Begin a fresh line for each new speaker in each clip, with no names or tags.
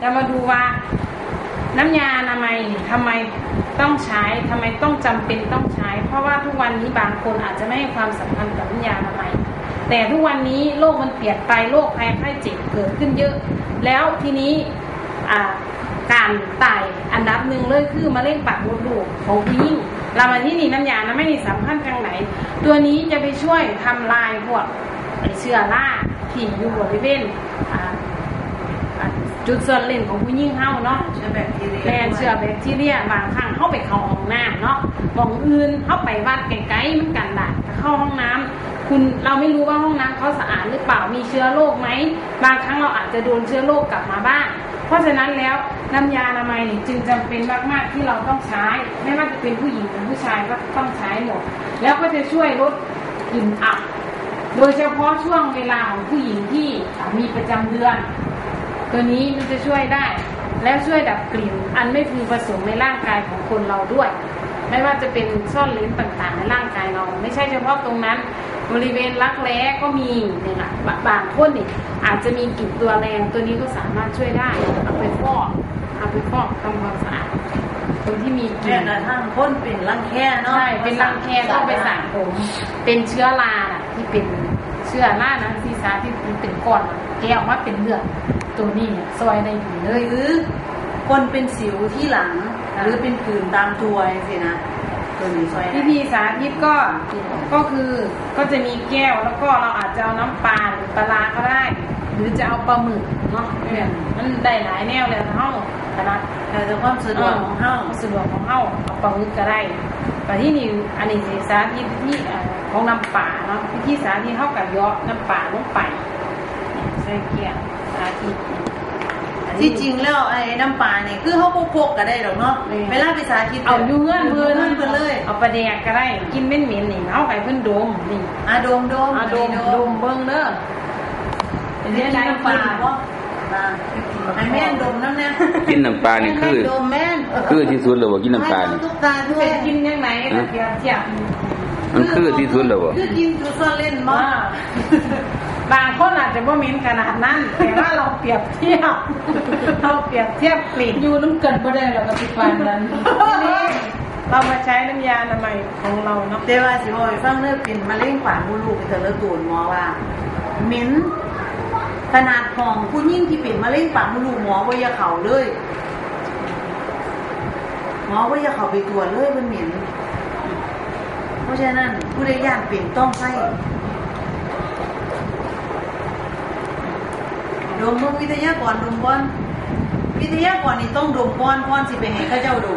จะมาดูว่าน้ำยาอนามัยทำไมต้องใช้ทำไมต้องจำเป็นต้องใช้เพราะว่าทุกวันนี้บางคนอาจจะไม่ให้ความสำคัญกับน้ำยาอนามัยแต่ทุกวันนี้โลกมันเปลี่ยนไปโรคภัยไข้เจ็บเกิดขึ้นเยอะแล้วทีนี้การตายอันดับหนึ่งเลยคือมะเร็งปากมดลูกของผู้หญิงเรามาที่นี่น้ำยานะไม่มีสำคัญทางไหนตัวนี้จะไปช่วยทำลายพวกเชื้อราที่อยู่บริเวณจุดส่วนเล่นของผู้หญิงเฮาเนาะเชื้อแบคทีเรียบางครั้งเข้าไปเข้าห้องน้ำเนาะบางอื่นเข้าไปวัดไกลๆมันกันได้เข้าห้องน้ำเราไม่รู้ว่าห้องน้ำเขาสะอาดหรือเปล่ามีเชื้อโรคไหมบางครั้งเราอาจจะโดนเชื้อโรคกลับมาบ้างเพราะฉะนั้นแล้วน้ำยาอนามัยจึงจำเป็นมากๆที่เราต้องใช้ไม่ว่าจะเป็นผู้หญิงหรือผู้ชายก็ต้องใช้หมดแล้วก็จะช่วยลดกลิ่นอับโดยเฉพาะช่วงเวลาของผู้หญิงที่มีประจำเดือนตัวนี้มันจะช่วยได้แล้วช่วยดับกลิ่นอันไม่พึงประสงค์ในร่างกายของคนเราด้วยไม่ว่าจะเป็นซ่อนเลนต่างๆในร่างกายเราไม่ใช่เฉพาะตรงนั้นบริเวณรักแร้ก็มีเนี่ยค่ะบางคนนี่อาจจะมีกลิ่นตัวแรงตัวนี้ก็สามารถช่วยได้เอาไปฟอกทำความสะอาดคนที่มีกลิ่น
แต่ถ้าคนเป็นรังแคเนาะ
ใช่เป็นรังแคต้องไปสระผมเป็นเชื้อราที่เป็นเชื้อรานะซีซ่าที่เป็นก้อนแก้ออกมาเป็นเลือดตัวนี้เนี่ยซอยได้ดีเลย
หรือคนเป็นสิวที่หลังหรือเป็นผื่นตามตัวสินะตัวนี้ซอย
วิธีสาธิตก็คือก็จะมีแก้วแล้วก็เราอาจจะเอาน้ำปลาหรือปลาก็ได้หรือจะเอาปลาหมึกเนาะมันได้หลายแนวเลยเฮ้าขนาด
แต่ความสะดวกของเฮ้า
เอาปลาหมึกก็ได้แต่ที่นี่อันนี้สาธิตที่ของน้ำปลาเนาะวิธีสาธิตเท่ากับย่อน้ำปลาลงไปใส่แก้วสาธิต
ที่จริงแล้วไอ้น้ำปลาเนี่ยคือเขาพกก็ได้หรอกเนาะเวลาไปสาธิต
เอาอยู่เงื่อนเ
พิ่นเลย
เอาปลาแดกก็ได้กินเหม็นนี่เอาไปเพิ่นดมนี่
ดม
เบิ่งเด้อ
เป็นน้ำปลาบ่ไอ้แม่นดมน้ำเนี่ย
กินน้ำปลานี่คือที่สุดเลยว่ากินน้ำปลานี่
เป็นกินยังไงเทียบ
มันคือที่สุดเลยว่า
คือกินจุดซ่อนเล่นมั้ง
บางคนอาจจะบ่เหม็นขนาดนั้นแต่ว่าเราเปรียบเทียบกลิ่น
อยู่น้ำกันบ่ได้แล้วก็ติดฟันนั้น
เรามาใช้น้ำยาอนามัยของเราเนาะ
แต่ว่าสิบ่ให้ฟังเด้อเป็นมะเร็งปากมดลูกเธอเลิกตูนหมอว่าเหม็นขนาดของผู้หญิงที่เป็นมะเร็งปากมดลูกหมอบ่อย่าเข้าเลยหมอบ่อย่าเข้าไปตรวจเลยมันเหม็นเพราะฉะนั้นผู้ใดย่านเป็นต้องใช้ดมมือวิทยากรดมก่อนวิทยากรนี่ต้องดมก่อนสิไปให้เขาเจ้าดม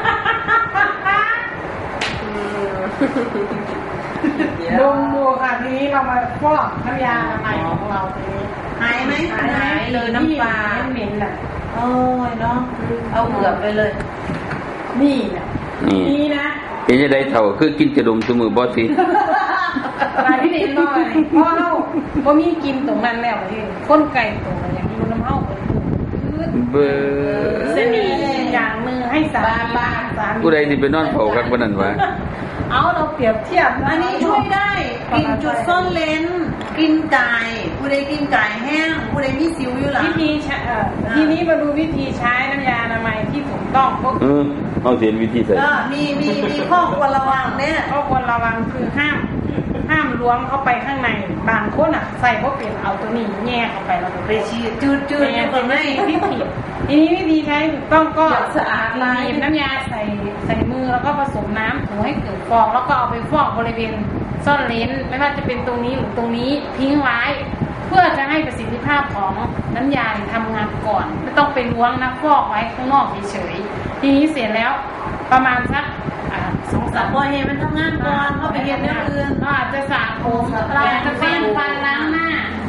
ดูค่ะทีนี้เรามาฟอกน้ำยาอนามัยของเราทีนี้
หายไหม
หายเลยน้ำปลาเหม็นน่ะ
โอ้ยเนาะเอาเกือบไปเลย
นี่นะ
เป็นจะได้เท่าคือกินจะดมสมือบ่สิ
ปลาที่เด่นหน่อยเพราะเราบ่มีกินตรงนั้นแล้วที่ก้นไก่ตรงนั้นอย่างอยู่น้ำเฮา
เบอร์
เสนีอย่างมือให้สา
ผู้ใดที่ไปนอนเผาครับวันนั้นวะ
เอาเราเปรียบเทียบ
อันนี้ช่วยได้กินจุดซ่อนเลนกินไก่ผู้ใดกินไก่แห้งผู้ใดมีสิวอยู่หลัง
ทีนี้มาดูวิธีใช้น้ำยาอนามัยที่ถูกต้องก็
เอาเห็นวิธีใส่
มีข้อควรระวังเนี่ย
ข้อควรระวังคือห้ามล้วงเข้าไปข้างในบางคนใส่เพราะเปลี่ยนเอาตัวนี้แง่เข้าไปเรา
ไปชี้จืด
อย่างไม่ที่ผิดทีนี้วิธีใช้ถูกต้องก็
สะอาดลาย
น้ำยาใส่มือแล้วก็ผสมน้ำถูให้เกิดฟองแล้วก็เอาไปฟอกบริเวณซ่อนเลนไม่ว่าจะเป็นตรงนี้หรือตรงนี้ทิ้งไว้เพื่อจะให้ประสิทธิภาพของน้ำยาทำงานก่อนไม่ต้องไปล้วงนะฟอกไว้ข้างนอกเฉยๆทีนี้เสร็จแล้วประมาณสัก
2-3 วันมันทำงานก่อนเขาไปเรียนเรื่องอื่น
อาจจะสระผมจะเป็นฟันล้างหน้า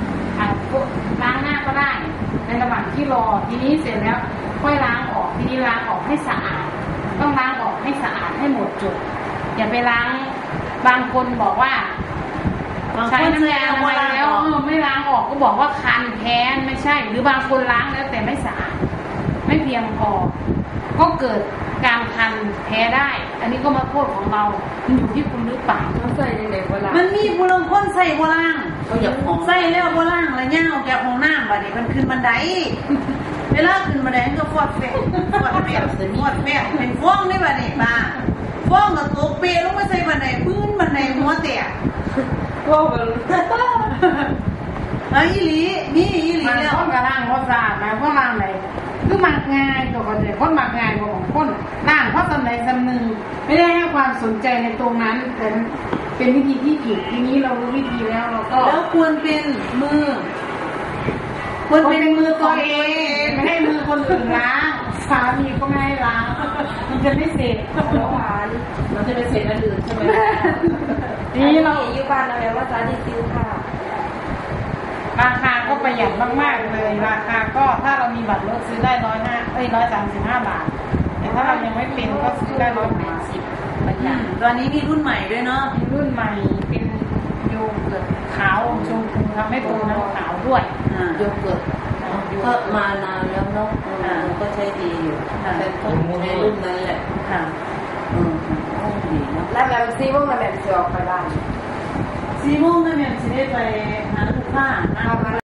ก็ได้ในระหว่างที่รอทีนี้เสร็จแล้วค่อยล้างออกทีนี้ล้างออกให้สะอาดต้องล้างออกให้สะอาดให้หมดจดอย่าไปล้างบางคนบอกว่าใช้น้ำยาอนามัยแล้วไม่ล้างออกก็บอกว่าคันแพ้ไม่ใช่หรือบางคนล้างแล้วแต่ไม่สะอาดไม่เพียงพอก็เกิดการคันแพ้ได้อันนี้ก็มาโทษของเรามันอยู่ที่คุณหรือเปล่า
ต้องใส่ในไหนโบราณมันมีบุรุษคนใส่โบราณเขาอยากของใส่แล้วโบราณอะไรเงี้ยออกจากห้องน้ำบัดนี้มันขึ้นบันไดเวลาขึ้นมาแดงก็ฟอดแฝงเป็นฟ้องได้ป่ะเนี่ยป้าฟ้องกับตัวเปรลงมาใส่บันไดพื้นบันไดหัวแตก
ก็เป็น
ไอ้อีหลีนี่อีหลี
มัน
เนี่ย
คนกระล่างเขาสะอาดนะเพราะล่างไหนคือมักง่ายตัวคนเนี่ยคนมักง่ายกว่าของคนล่างเพราะสำไหนสำนึงไม่ได้ให้ความสนใจในตรงนั้นแต่เป็นวิธีที่ผิดทีนี้เรารู้วิธีแล้วเราก็
แล้วควรเป็นมือควรเป็นมือตัวเอง
ไม่ให้มือคนอื่นล้างสามีก็ไม่ให้ล้างมันจะไม่เสร็จ
หวานเราจะไปเสร็จอันอื่นใช่ไหม
นี่เรา
อยู่บ้านเราแล้วว่าร้านที่ซื้อค่ะ
ราคาก็ประหยัดมากๆเลยราคาก็ถ้าเรามีบัตรลดซื้อได้135 บาทแต่ถ้าเรายังไม่เป็นก็ซื้อได้180ประหยัด
ตอนนี้มีรุ่นใหม่ด้วยเนาะ
มีรุ่นใหม่เป็นโยเกิร์ตขาวชมพูทำให้ตัวน้ำขาวด้วย
โยเกิร์ตก็มานานแล้วเนาะก็ใช้ดีอยู่แต่ต้องในรุ่นนั้นแหละ
ค่ะ
ดีเนาะแล้วแบบซีว่ามันแบบจะออกไปบ้าน
4 โมงนั่นเนี่ยจะได้ไปหาลูกค้า